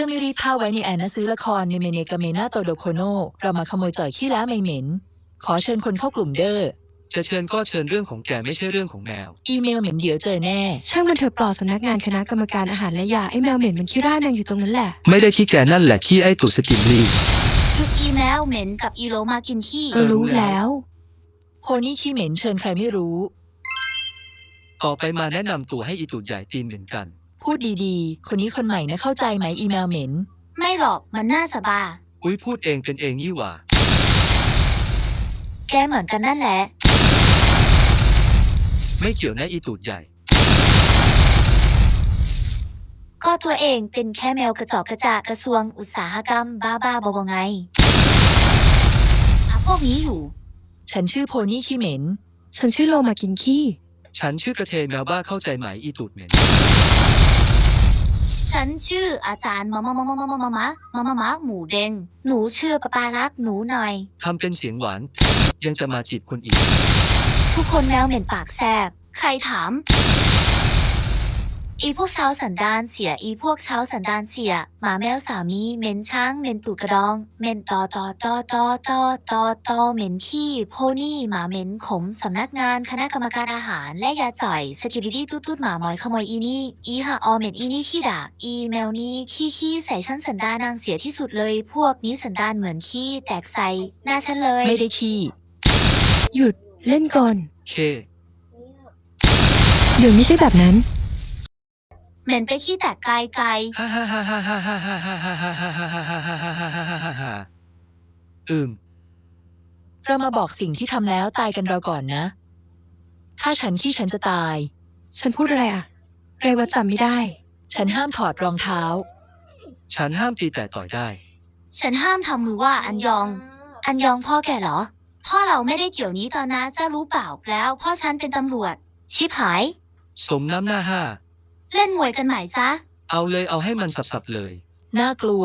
ไม่รีบผ้าไว้ในแอนนะซื้อละครในเมเนกาเมนาโตโดโคโนเรามาขโมยจ่อยขี้แล้วไม่เหม็นขอเชิญคนเข้ากลุ่มเด้อจะเชิญก็เชิญเรื่องของแกไม่ใช่เรื่องของแมวอีเมลเหม็นเดี๋ยวเจอแน่ช่างมันเถอะปลอดสำนักงานคณะกรรมการอาหารและยาไอ้แมวเหม็นมันขี้ร่านางอยู่ตรงนั้นแหละไม่ได้ขี้แกนั่นแหละขี้ไอ้ตุดสกินนี่ทุกอีแมวเหม็นกับอีโลมากินขี้รู้แล้วโพนี่ขี้เหม็นเชิญใครไม่รู้ต่อไปมาแนะนำตัวให้อีตุดใหญ่ตีนเหมือนกันพูดดีๆคนนี้คนใหม่นะเข้าใจไหมอีเมลเหม็นไม่หรอกมันน่าสบาอุ้ยพูดเองเป็นเองยี่หว่าแกเหมือนกันนั่นแหละไม่เกี่ยวนะอีตุดใหญ่ก็ตัวเองเป็นแค่แมวกระจอกกระจากระทรวงอุตสาหกรรมบ้าๆบอๆไงพวกนี้อยู่ฉันชื่อโพนี่ขี้เหม็นฉันชื่อโลมากินขี้ฉันชื่อกระเทยแมวบ้าเข้าใจไหมอีตุดเหม็นฉันชื่ออาจารย์มะหมูเด้งหนูชื่อปารักหนูหน่อยทำเป็นเสียงหวานยังจะมาจีบคนอีกทุกคนแมวเหม็นปากแสบใครถามอีพวกเช้าสันดานเสียอีพวกเช้าสันดานเสียหมาแมวสามีเหม็นช้างเหม็นตูดกระดองเหม็นตอเหม็นขี้โพนี่หมาเหม็นขมสำนักงานคณะกรรมการอาหารและยาจ่อยสกิบิดี้ตุ๊ดหมาหมอยขโมยอีนี่อีหาออเหม็นอีนี่ขี้ด่าอีแมวนี่ขี้ใส่ฉันสันดานนางเสียที่สุดเลยพวกนี้สันดานเหมือนขี้แตกใส่หน้าฉันเลยไม่ได้ขี้หยุดเล่นก่อนเคเดี๋ยวไม่ใช่แบบนั้นเหม็นไปขี้แตกไกลเรามาบอกสิ่งที่ทำแล้วตายกันเราก่อนนะถ้าฉันขี้ฉันจะตายฉันพูดอะไรอ่ะเรวัตจำไม่ได้ฉันห้ามถอดรองเท้าฉันห้ามตีแต่ต่อยได้ฉันห้ามทำมือว่าอันยองพ่อแกเหรอพ่อเราไม่ได้เกี่ยวนี้ตอนนะจะรู้เปล่าแล้วพ่อฉันเป็นตำรวจชิบหายสมน้ำหน้าห้าเล่นมวยกันไหมจ๊ะเอาเลยเอาให้มันสับๆเลยน่ากลัว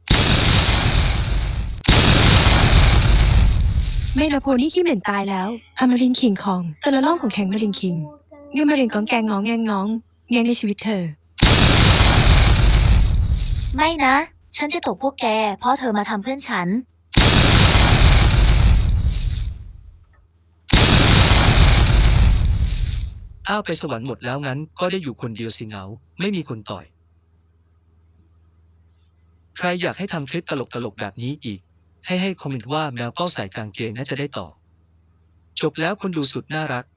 ไม่นะโพนี่ขี้เหม็นตายแล้วอมรินทร์คิงคองแต่ละล่องของแข็งมารินคิงเงื่อนมารินกองแกงงองแงงงองแงงในชีวิตเธอไม่นะฉันจะตบพวกแกเพราะเธอมาทำเพื่อนฉันอ้าวไปสวรรค์หมดแล้วงั้นก็ได้อยู่คนเดียวสิเหงาไม่มีคนต่อยใครอยากให้ทำคลิปตลกแบบนี้อีกให้คอมเมนต์ว่าแมวเป้าใส่กางเกงน่าจะได้ต่อจบแล้วคนดูสุดน่ารัก